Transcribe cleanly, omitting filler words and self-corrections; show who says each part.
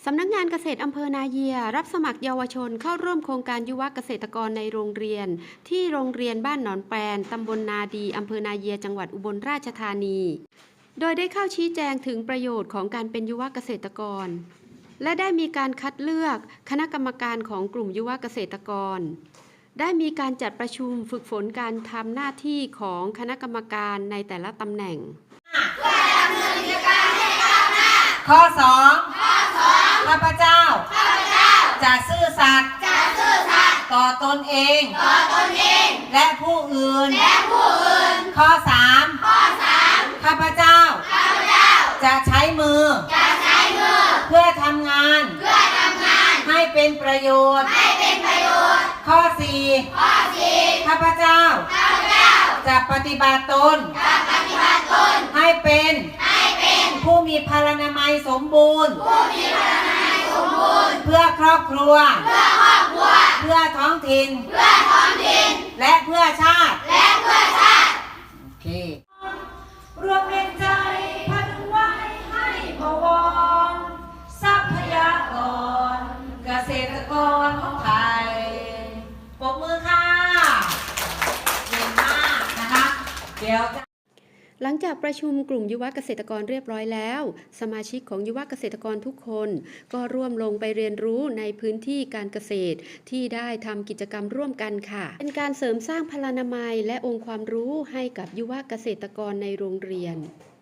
Speaker 1: สำนักงานเกษตรอำเภอนาเยียรับสมัครเยาวชนเข้าร่วมโครงการยุวเกษตรกรในโรงเรียนที่โรงเรียนบ้านหนอนแปนตำบลนาดีอำเภอนาเยียจังหวัดอุบลราชธานีโดยได้เข้าชี้แจงถึงประโยชน์ของการเป็นยุวเกษตรกรและได้มีการคัดเลือกคณะกรรมการของกลุ่มยุวเกษตรกรได้มีการจัดประชุมฝึกฝนการทำหน้าที่ของคณะกรรมการในแต่ละตำแหน่ง
Speaker 2: ข้อ 2ข้าพเจ้าจะซื่อสัตย์ต่อตนเองและผู้อื่นข้อ 3ข้าพเจ้าจะใช้มือเพื่อทำงานให้เป็นประโยชน์ข้อ 4ข้าพเจ้าจะปฏิบัติตนให้เป็นผู้มีพลานามัยสมบูรณ์เพื่อครอบครัวเพื่อท้องถิ่นและเพื่อชาติโอเครวมแรงใจพันไว้ให้บวรทรัพยากรเกษตรกรของไทยปรบมือค่ะเก่งมากนะคะเดี๋ยว
Speaker 1: หลังจากประชุมกลุ่มยุวเกษตรกรเรียบร้อยแล้วสมาชิกของยุวเกษตรกรทุกคนก็ร่วมลงไปเรียนรู้ในพื้นที่การเกษตรที่ได้ทำกิจกรรมร่วมกันค่ะเป็นการเสริมสร้างพลานามัยและองค์ความรู้ให้กับยุวเกษตรกรในโรงเรียน